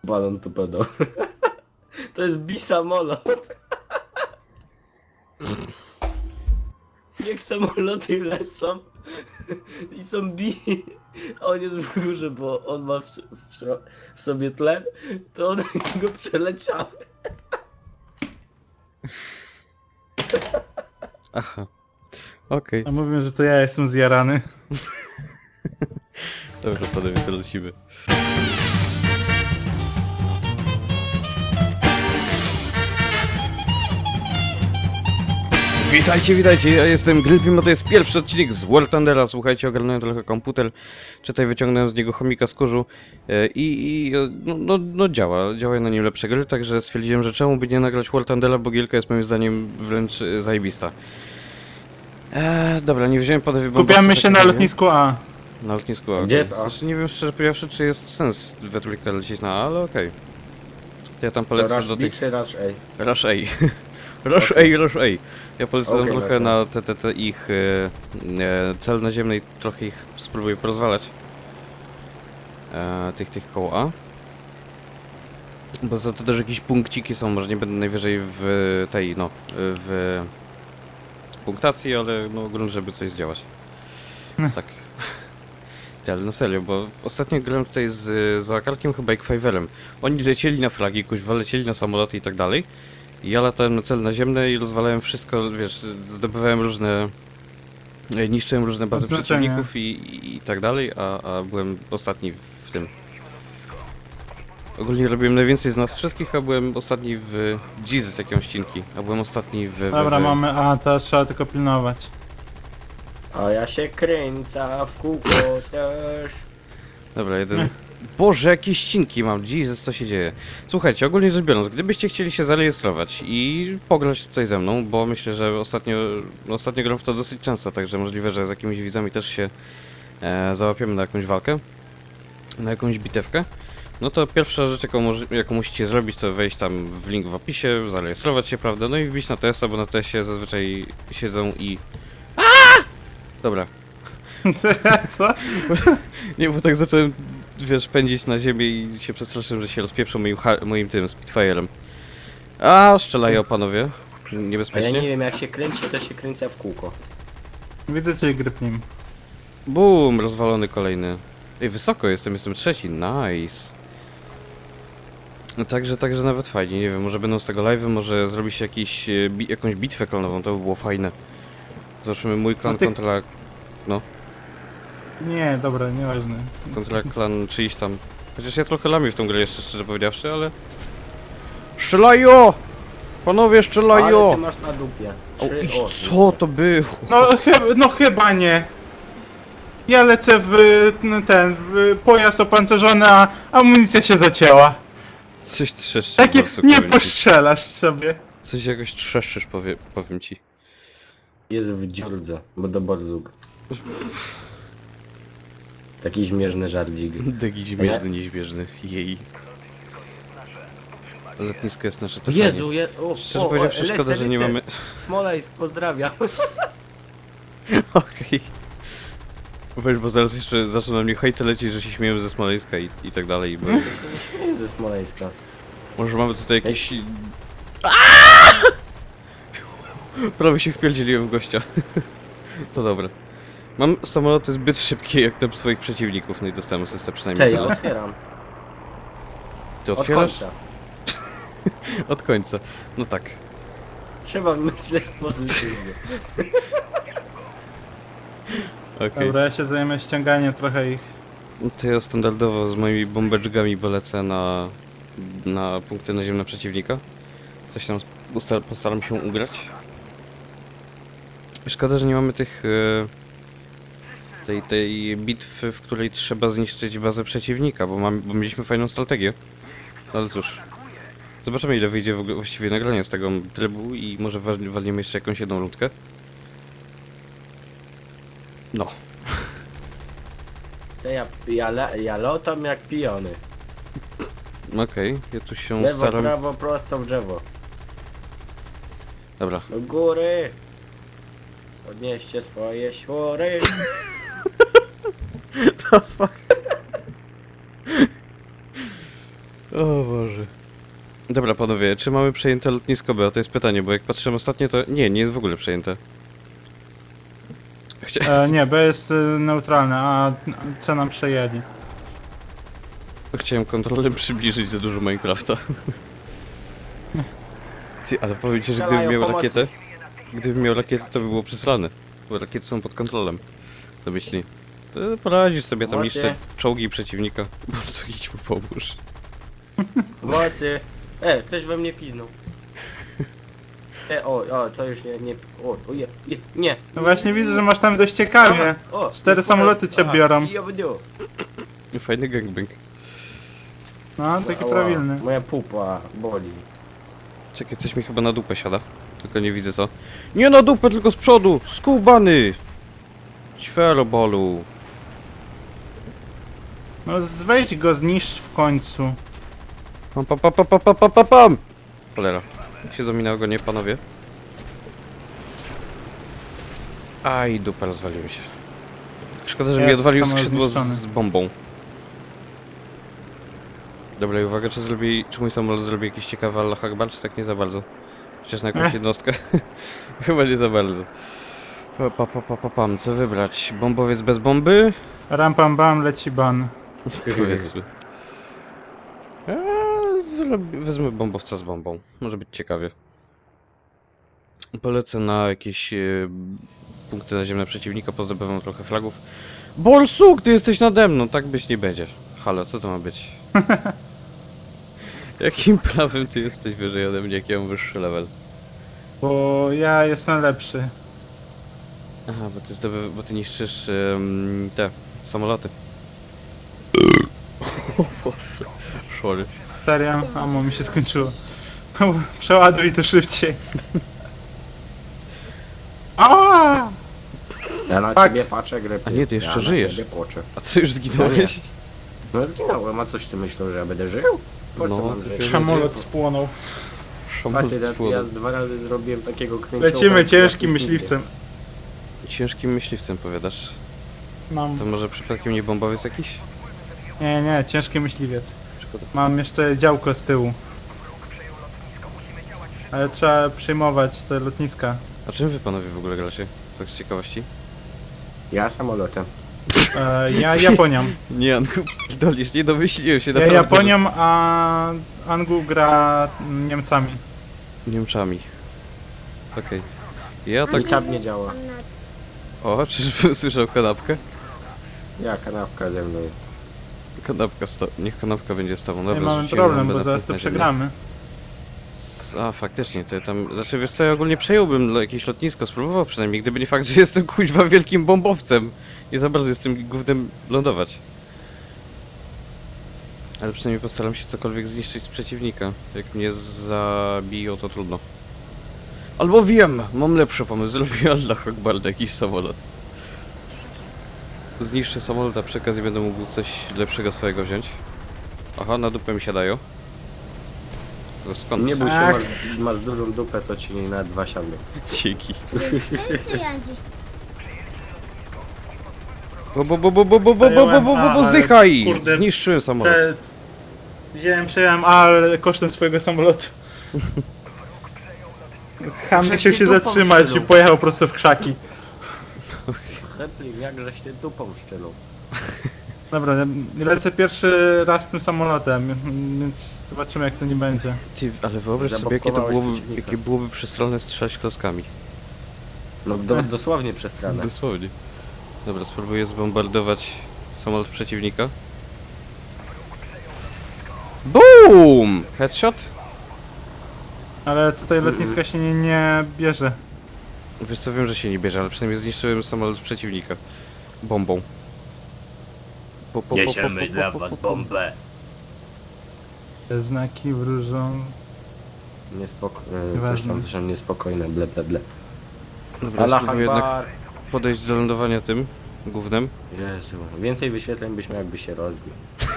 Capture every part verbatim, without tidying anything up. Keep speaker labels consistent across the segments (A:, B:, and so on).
A: balon tu pedał. To jest bisamolot. Jak samoloty lecą i są bi, a on jest w górze, bo on ma w, w, w sobie tlen, to one go przeleciały.
B: Aha. Okej.
C: A mówią, że to ja jestem zjarany.
B: Dobrze, panowie, to lecimy. Witajcie, witajcie, ja jestem Grillpim, a to jest pierwszy odcinek z War Thundera. Słuchajcie, ogarnąłem trochę komputer, czytaj, wyciągnąłem z niego chomika z kurzu e, i, i no, no, no działa, działa na nim lepsze gry, także stwierdziłem, że czemu by nie nagrać War Thundera, bo gierka jest moim zdaniem wręcz e, zajebista. Eee, dobra, nie wziąłem pod wyboru.
C: Kupiamy się na lotnisku A.
B: Na lotnisku A.
A: Gdzie jest A?
B: Znaczy, nie wiem szczerze powiedziawszy, czy jest sens we trójkę lecieć na A, ale okej. To ja tam polecę
A: Rush
B: do
A: B
B: tych...
A: czy Rush A?
B: Rush A. Rush
A: Okay.
B: A, Rush A. Ja polecę tam
A: Okay,
B: trochę
A: okay.
B: na te, te, te ich e, e, cel naziemny i trochę ich spróbuję porozwalać. E, tych, tych koło A. Bo za to też jakieś punkciki są, może nie będę najwyżej w tej, no, w punktacji, ale no grunt, żeby coś zdziałać.
C: Hm.
B: Tak. Ty, ale no serio, bo ostatnio grałem tutaj z, z Akarkiem chyba i Kwajwerem. Oni lecieli na flagi, kuźwa, lecieli na samoloty i tak dalej. I ja latałem na cel naziemny i rozwalałem wszystko, wiesz, zdobywałem różne... e, niszczyłem różne bazy
C: Odznaczenia.
B: przeciwników i, i, i tak dalej, a, a byłem ostatni w tym. Ogólnie robiłem najwięcej z nas wszystkich, a byłem ostatni w... Jesus, jakie ścinki. A byłem ostatni w... w,
C: Dobra,
B: w...
C: mamy A, teraz trzeba tylko pilnować.
A: A ja się kręcę w kółko też.
B: Dobra, jeden... Boże, jakie ścinki mam, Jesus, co się dzieje? Słuchajcie, ogólnie rzecz biorąc, gdybyście chcieli się zarejestrować i pograć tutaj ze mną, bo myślę, że ostatnio, no ostatnio gram w to dosyć często, także możliwe, że z jakimiś widzami też się e, załapiemy na jakąś walkę, na jakąś bitewkę, no to pierwsza rzecz, jaką, może, jaką musicie zrobić, to wejść tam w link w opisie, zarejestrować się, prawda, no i wbić na T S a, bo na T S ie zazwyczaj siedzą i... Aaaa! Dobra.
C: Co?
B: Nie, bo tak zacząłem, wiesz, pędzić na ziemię i się przestraszyłem, że się rozpieprzą moim, ha- moim tym Spitfire'em. A, strzelają panowie.
A: A ja
B: Niebezpiecznie.
A: nie wiem, jak się kręci, to się kręcę w kółko.
C: Widzę cię, Gripnim.
B: Bum, rozwalony kolejny. Ej, wysoko jestem, jestem trzeci, nice. No także, także nawet fajnie, nie wiem, może będą z tego live'y, może zrobi się jakiś, e, bi- jakąś bitwę klanową, to by było fajne. Zobaczymy mój klan
C: No ty-
B: kontra,
C: Nie, dobra, nieważne.
B: kontra klan czyjś tam. Chociaż ja trochę lamię w tą grę jeszcze, szczerze powiedziawszy, ale... Strzelają! Panowie,
A: Ale
B: strzelają!
A: ty masz na dupie.
B: O,
A: Trzy-
B: i
A: o,
B: co to było?
C: No, chyba, no chyba nie. Ja lecę w n- ten, w pojazd opancerzony, a amunicja się zacięła.
B: Coś trzeszczysz,
C: Takie,
B: Barsu,
C: nie
B: powiem ci.
C: postrzelasz sobie.
B: Coś jakoś trzeszczysz, powie, powiem ci.
A: Jest w dziurdze, bo do barzuk. Taki śmieszny żardzik.
B: Degi śmieszny, nieśmieszny, jej. Lotnisko jest nasze, to fajnie.
A: Jezu, je... o,
B: Szczerze
A: o,
B: powiedziawszy,
A: o,
B: szkoda,
A: lecę,
B: że nie
A: lecę.
B: mamy...
A: Smoleńsk, pozdrawiam.
B: Okej. Weź, bo zaraz jeszcze zaczną na mnie hejty lecieć, że się śmieją ze Smoleńska i, i tak dalej, bo...
A: Nie ze Smoleńska.
B: Może mamy tutaj jakiś... Prawie się wpierdzieliłem w gościa. To dobra. Mam samoloty zbyt szybkie jak te swoich przeciwników, no i dostałem asystę przynajmniej
A: Cześć, ja
B: tyle.
A: otwieram.
B: Ty
A: Od
B: otwierasz?
A: końca.
B: Od końca. No tak.
A: Trzeba myśleć pozytywnie.
B: Okej.
C: Dobra, ja się zajmę ściąganiem trochę ich.
B: No to ja standardowo z moimi bombeczkami polecę na, na punkty naziemne przeciwnika. Coś tam usta- postaram się ugrać. Szkoda, że nie mamy tych... e, tej, tej bitwy, w której trzeba zniszczyć bazę przeciwnika, bo, mam, bo mieliśmy fajną strategię. No ale cóż. Zobaczymy, ile wyjdzie w ogóle właściwie nagranie z tego trybu i może wal- walniemy jeszcze jakąś jedną rundkę. No.
A: To ja, ja, le- ja lotam jak pijony.
B: Okej, ja tu się
A: Lewo,
B: staram...
A: prawo, prosto w drzewo.
B: Dobra.
A: Do góry. Podnieście swoje śwory.
B: The fuck? O Boże. Dobra, panowie, czy mamy przejęte lotnisko B? To jest pytanie, bo jak patrzyłem ostatnio, to... Nie, nie jest w ogóle przejęte. Chcia...
C: E, nie, B jest y, neutralne, a C nam przejęli.
B: Chciałem kontrolę przybliżyć za dużo Minecrafta. Ty, ale powiem ci, że gdybym
A: Strzelają
B: miał
A: pomocy.
B: rakietę... Gdybym miał rakietę, to by było przesrane. Bo rakiety są pod kontrolą. To myśli. To poradzisz sobie tam
A: Macie.
B: jeszcze czołgi przeciwnika. Po prostu idź mu pomóż.
A: Mocy. E, ktoś we mnie piznął. E, o, o, to już nie, nie, o, o je, je, nie.
C: No właśnie widzę, że masz tam dość ciekawie.
A: O,
C: Cztery
A: nie,
C: samoloty cię
A: a,
C: biorą.
A: i obniu.
B: Fajny gangbang.
C: No, taki
A: Ała,
C: prawilny.
A: Moja pupa boli.
B: Czekaj, coś mi chyba na dupę siada. Tylko nie widzę co. Nie na dupę, tylko z przodu! Skubany! Ćwerobolu.
C: No weź go, zniszcz w końcu.
B: Pam pam pam pam pam pam pam pam pam! Cholera. Się zaminało go, nie panowie? Aj, dupa, rozwaliłem się. Szkoda, że mi
C: Jest
B: odwalił
C: samolot
B: skrzydło
C: zniszczony.
B: z bombą. Dobra, i uwaga, czy zrobi, czy mój samolot zrobi jakiś ciekawy Allah Akbar, czy tak nie za bardzo? Chociaż na jakąś
C: Ech.
B: jednostkę. Chyba nie za bardzo. O, Pa, pa, pa, pa, pam, co wybrać? Bombowiec bez bomby?
C: Ram pam bam, leci ban.
B: Powiedzmy. Eee, zrobi- wezmę bombowca z bombą. Może być ciekawie. Polecę na jakieś e, punkty naziemne przeciwnika, pozdobywam trochę flagów. Borsuk, ty jesteś nade mną, tak być nie będzie. Halo, co to ma być? Jakim prawem ty jesteś wyżej ode mnie, jak ja mam wyższy level?
C: Bo ja jestem lepszy.
B: Aha, bo ty, zdoby, bo ty niszczysz em, te samoloty. Sorry.
C: Serio? Amo mi się skończyło. No, przeładuj to szybciej. Aaaa!
A: Ja na
C: Tak.
A: ciebie patrzę, gry.
B: A nie, ty jeszcze
A: ja
B: żyjesz.
A: Na ciebie płaczę.
B: A co, już zginąłeś?
A: No zginąłem, a coś ty myślał, że ja będę żył? Po co
B: No,
A: mam
B: ty
A: żyć?
C: Samolot spłonął.
B: Szamot
A: Facet, ja,
B: spłonął.
A: ja z dwa razy zrobiłem takiego kręcioła.
C: Lecimy
A: jak
C: ciężkim
A: ja
C: myśliwcem.
B: Ciężkim myśliwcem powiadasz.
C: Mam.
B: To może przypadkiem nie bombowiec jakiś?
C: Nie, nie, ciężki myśliwiec.
B: Szkoda.
C: Mam jeszcze działko z tyłu. Ale trzeba przejmować te lotniska.
B: A czym wy panowie w ogóle gracie? Tak z ciekawości?
A: Ja samolotem.
C: E, ja Japonią.
B: Nie, Anku, dolisz, nie domyśliłem się
C: Ja Japonią, a Angu gra Niemcami.
B: Niemczami. Okej. Ja tak...
A: I tab nie działa.
B: O, czyżbym słyszał kanapkę?
A: Ja kanapka ze mną.
B: Kanapka sto... Niech kanapka będzie z tobą.
C: Nie
B: Dobra,
C: mamy
B: zrzuciłem
C: problem,
B: bombę
C: bo
B: na
C: zaraz
B: punkt
C: to
B: naziemny.
C: przegramy.
B: S- A, faktycznie, to ja tam... Znaczy, wiesz co, ja ogólnie przejąłbym lo- jakieś lotnisko, spróbował przynajmniej, gdyby nie fakt, że jestem kuźwa wielkim bombowcem. Nie za bardzo jestem gównem lądować. Ale przynajmniej postaram się cokolwiek zniszczyć z przeciwnika. Jak mnie zabiją, to trudno. Albo wiem, mam lepszy pomysł, zrobię Allah Akbar na jakiś samolot. Zniszczę samolot, a przy okazji będę mógł coś lepszego swojego wziąć. Aha, na dupę mi siadają. To skąd?
A: Nie bój się,
C: Ach.
A: masz, masz dużą dupę, to ci na dwa siadły.
B: Dzięki.
D: Pensję gdzieś.
B: Bo bo bo bo bo bo bo bo bo bo bo bo zdychaj! Zniszczyłem samolot.
C: Przez... Wziąłem, przejąłem, ale kosztem swojego samolotu. Han
A: Żeś
C: musiał
A: ty
C: się
A: dupą
C: zatrzymać i
A: szczylą.
C: pojechał prosto w krzaki.
A: Chętnie, jakżeś ty dupą szczelą.
C: Dobra, lecę pierwszy raz tym samolotem, więc zobaczymy jak to nie będzie.
B: Ty, ale wyobraź sobie, jakie to
A: Zablokowałeś
B: byłoby,
A: przeciwnika.
B: jakie byłoby przesrane strzelać kloskami.
A: No do, dosłownie przesrane.
B: Dosłownie. Dobra, spróbuję zbombardować samolot przeciwnika. BOOM! Headshot?
C: Ale tutaj lotniska się nie, nie bierze.
B: Wiesz co, wiem, że się nie bierze, ale przynajmniej zniszczyłem samolot przeciwnika. Bombą. Po, po, po, po, po, po, po, po, po.
A: bombę.
C: Te znaki wróżą.
A: Niespoko... e, Coś
C: Nieważne.
A: tam, coś tam niespokojne, ble, ble, ble.
B: Dobra,
A: Allah
B: spróbuję jednak
A: Akbar.
B: podejść do lądowania tym gównem.
A: Jezu, więcej wyświetleń byś miał, jakby się rozbił.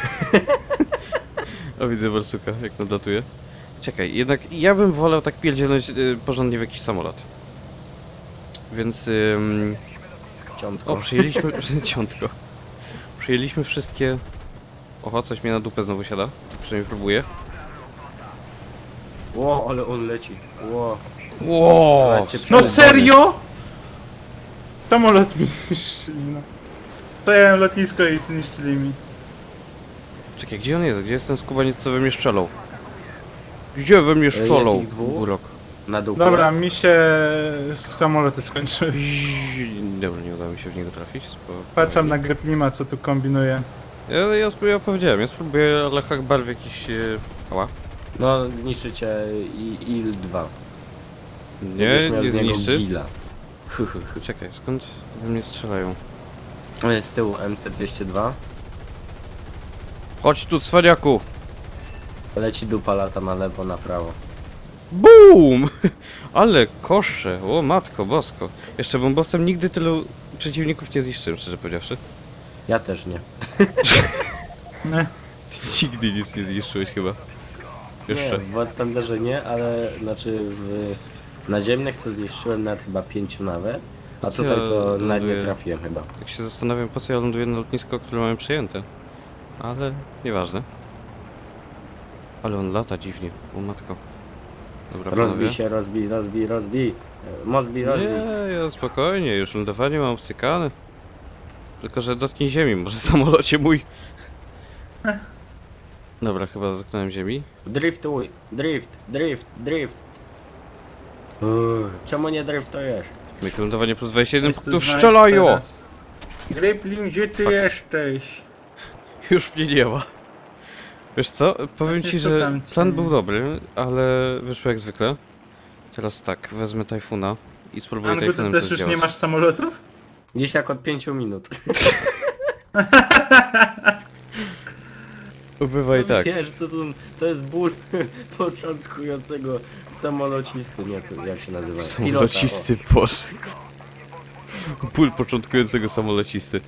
B: O, widzę Barsuka, jak nadlatuje. Czekaj, jednak ja bym wolał tak pierdzielnąć y, porządnie w jakiś samolot. Więc... Ym,
A: Ciątko.
B: o, przyjęliśmy... ciątko. Przyjęliśmy wszystkie Oho, coś mnie na dupę znowu siada. Przynajmniej próbuję.
A: Ło, ale on leci. Ło.
B: Ło!
A: Słuchajcie,
C: No
A: przelot
C: serio? Samolot mi zniszczyli, no. Przejęłem lotnisko i zniszczyli mi.
B: Czekaj, gdzie on jest? Gdzie jest ten skubaniec, co we mnie szczelał? Gdzie we mnie szczelał?
A: Jest ich dwóch?
B: Urok.
A: Na dupę.
C: Dobra, mi się samoloty skończyły.
B: Zii- Dobra, nie udało mi się w niego trafić. Spoko.
C: Patrzam na Greplima, co tu kombinuje.
B: Ja, ja, spróbuję, ja powiedziałem, ja spróbuję, ale Hakbar w jakiś... E... Ała.
A: No, zniszczycie i il dwa.
B: Nie,
A: Będziesz miał
B: nie
A: z niego
B: zniszczy.
A: gila. Hy, hy, hy.
B: Czekaj, skąd we mnie strzelają?
A: O, z tyłu M C dwieście dwa.
B: Chodź tu, cwaniaku!
A: Leci dupa, lata na lewo, na prawo.
B: BUM! Ale kosze, o matko bosko. Jeszcze bombowcem nigdy tylu przeciwników nie zniszczyłem, szczerze powiedziawszy.
A: Ja też nie.
C: Nie.
B: Nigdy nic nie zniszczyłeś chyba.
A: Nie,
B: Jeszcze.
A: w War Thunderze nie, ale znaczy w naziemnych to zniszczyłem nawet chyba pięciu nawet. A
B: Co
A: tutaj
B: ja
A: to nawet nie
B: ląduję?
A: trafiłem chyba.
B: Tak się zastanawiam, po co ja ląduję na lotnisko, które mamy przejęte. Ale nieważne. Ale on lata dziwnie, o matko. Dobra,
A: Rozbij
B: panowie.
A: się, rozbij, rozbij, rozbij. E, Mozbij, rozbij.
B: Nie, ja spokojnie, już lądowanie mam obcykane. Tylko, że dotknij ziemi, może samolocie mój. Dobra, chyba dotknąłem ziemi.
A: Driftuj, drift, drift, drift. Eee, Czemu nie driftujesz?
B: Myk lądowanie plus dwadzieścia jeden
C: Coś tu
B: punktów
C: znaleźć
B: strzelają!
C: teraz. Greplin, gdzie ty
B: Fuck.
C: jesteś?
B: Już mnie nie ma. Wiesz co, powiem
C: Właśnie
B: ci, że
C: szukam cię.
B: plan był dobry, ale wyszło jak zwykle. Teraz tak, wezmę Tajfuna i spróbuję
C: Angu, ty
B: Tajfunem
C: też
B: coś
C: już
B: działać.
C: nie masz samolotów?
A: Gdzieś tak od pięciu minut.
B: Bywaj tak.
A: Wiesz, to, są, to jest ból początkującego samolocisty, nie to jak się nazywa?
B: Samolocisty, boże. Ból początkującego samolocisty.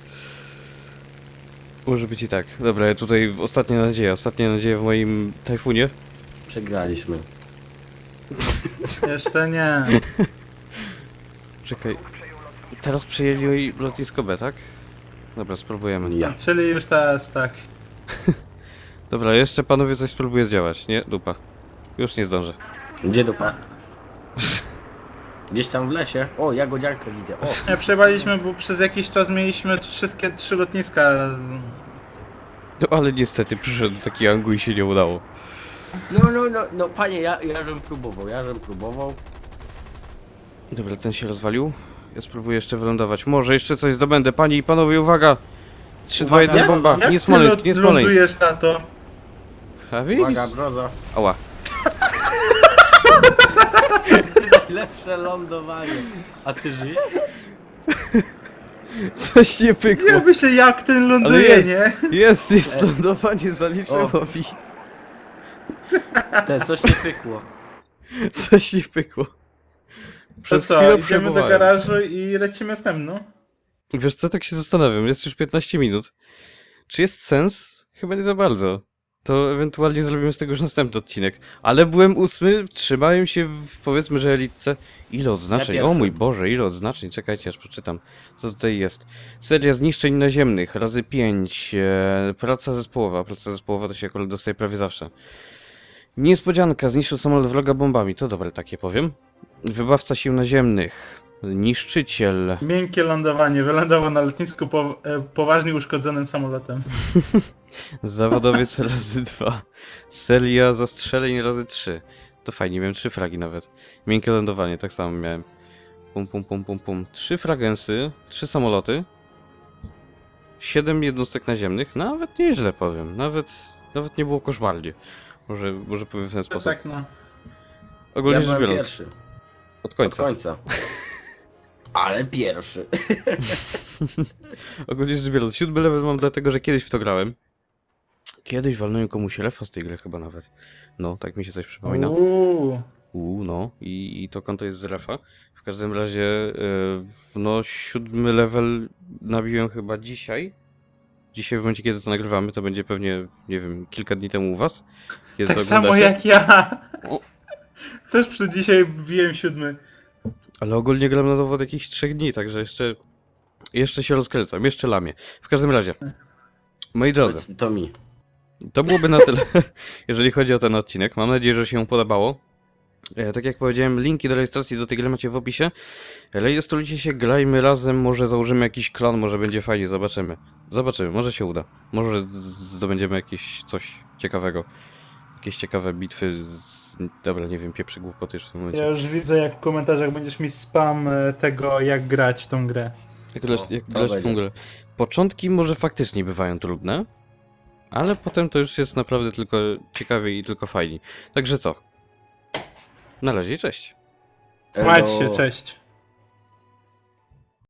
B: Może być i tak. Dobra, ja tutaj ostatnia nadzieja, ostatnia nadzieja w moim Tajfunie.
A: Pilota. O, przegraliśmy.
C: Jeszcze nie.
B: Czekaj. Teraz przejęli lotnisko B, tak? Dobra, spróbujemy.
A: Ja.
C: Czyli już teraz tak.
B: Dobra, jeszcze panowie coś spróbuję zdziałać. Nie, dupa. Już nie zdążę.
A: Gdzie dupa? Gdzieś tam w lesie. O, jagodziankę widzę. O,
C: Nie przejechaliśmy, bo przez jakiś czas mieliśmy wszystkie trzy lotniska. z-
B: No ale niestety przyszedł taki Angu i się nie udało.
A: no, no, no, no, panie, ja, ja żem próbował, ja żem próbował.
B: Dobra, ten się rozwalił. Ja spróbuję jeszcze wylądować. Może jeszcze coś zdobędę. Panie i panowie, uwaga! trzy, dwa, jeden,
C: Jak-
B: bomba!
C: jak
B: Nie
C: ty
B: Smoleńsk,
C: lą-
B: nie Smoleńsk.
C: lądujesz na to?
B: A widzisz?
A: Uwaga, brzoza.
B: Ała.
A: Lepsze lądowanie. A ty żyjesz?
B: Coś nie pykło.
C: Ja myślę, jak ten
B: Ale
C: ląduje,
B: jest,
C: nie?
B: jest, jest lądowanie, zaliczyło mi.
A: Te, coś nie pykło.
B: Coś nie pykło.
C: To
B: Przez
C: co,
B: chwilę
C: idziemy do
B: przejmowałem.
C: garażu i lecimy z tym, no?
B: Wiesz co, tak się zastanawiam, jest już piętnaście minut. Czy jest sens? Chyba nie za bardzo. To ewentualnie zrobimy z tego już następny odcinek. Ale byłem ósmy, trzymałem się w, powiedzmy, że elitce. Ile odznaczeń?
A: Ja
B: O
A: pierwszy.
B: mój Boże, ile odznaczeń? Czekajcie, aż przeczytam. Co tutaj jest? Seria zniszczeń naziemnych, razy pięć. E, praca zespołowa. Praca zespołowa to się akurat dostaje prawie zawsze. Niespodzianka, zniszczył samolot wroga bombami. To dobre takie powiem. Wybawca sił naziemnych. Niszczyciel.
C: Miękkie lądowanie, wylądował na lotnisku po, e, poważnie uszkodzonym samolotem.
B: Zawodowiec razy dwa. Seria zastrzeleń razy trzy. To fajnie, miałem trzy fragi nawet. Miękkie lądowanie, tak samo miałem. Pum, pum, pum, pum, pum. Trzy fragensy, trzy samoloty. Siedem jednostek naziemnych. Nawet nieźle powiem. Nawet, nawet nie było koszmarnie. Może, może powiem w ten
C: To
B: sposób.
C: tak, no.
B: Ogólnie
A: Ja
B: rzecz
A: byłem
B: biorąc.
A: pierwszy.
B: Od
A: Od
B: końca.
A: końca. Ale pierwszy.
B: Ogólnie rzecz biorąc. Siódmy level mam dlatego, że kiedyś w to grałem. Kiedyś walnąłem komuś refa z tej gry chyba nawet. No, tak mi się coś przypomina.
C: Uuu.
B: U, no i, i to konto jest z refa. W każdym razie, yy, no siódmy level nabiłem chyba dzisiaj. Dzisiaj w momencie, kiedy to nagrywamy, to będzie pewnie, nie wiem, kilka dni temu u was. Kiedy
C: Tak
B: to
C: samo
B: oglądacie.
C: jak ja.
B: O.
C: Też przy dzisiaj wbiłem siódmy.
B: Ale ogólnie gram na dowód jakichś trzech dni, także jeszcze, jeszcze się rozkręcam, jeszcze lamię. W każdym razie, moi drodzy,
A: Powiedz To mi.
B: To byłoby na tyle, jeżeli chodzi o ten odcinek. Mam nadzieję, że się podobało. E, tak jak powiedziałem, linki do rejestracji do tej gry macie w opisie. Rejestrujcie się, grajmy razem, może założymy jakiś klan, może będzie fajnie, zobaczymy. Zobaczymy, może się uda. Może z- zdobędziemy jakieś coś ciekawego. Jakieś ciekawe bitwy z... Dobra, nie wiem, pieprzy głupoty już w tym momencie.
C: Ja już widzę, jak w komentarzach będziesz mi spam e, tego, jak grać w tą grę.
B: Jak grać,
A: O,
B: jak
A: to
B: grać w tą
A: będzie.
B: grę. Początki może faktycznie bywają trudne, ale potem to już jest naprawdę tylko ciekawie i tylko fajnie. Także co? Na razie, cześć.
A: Elo.
C: Trzymajcie się, cześć.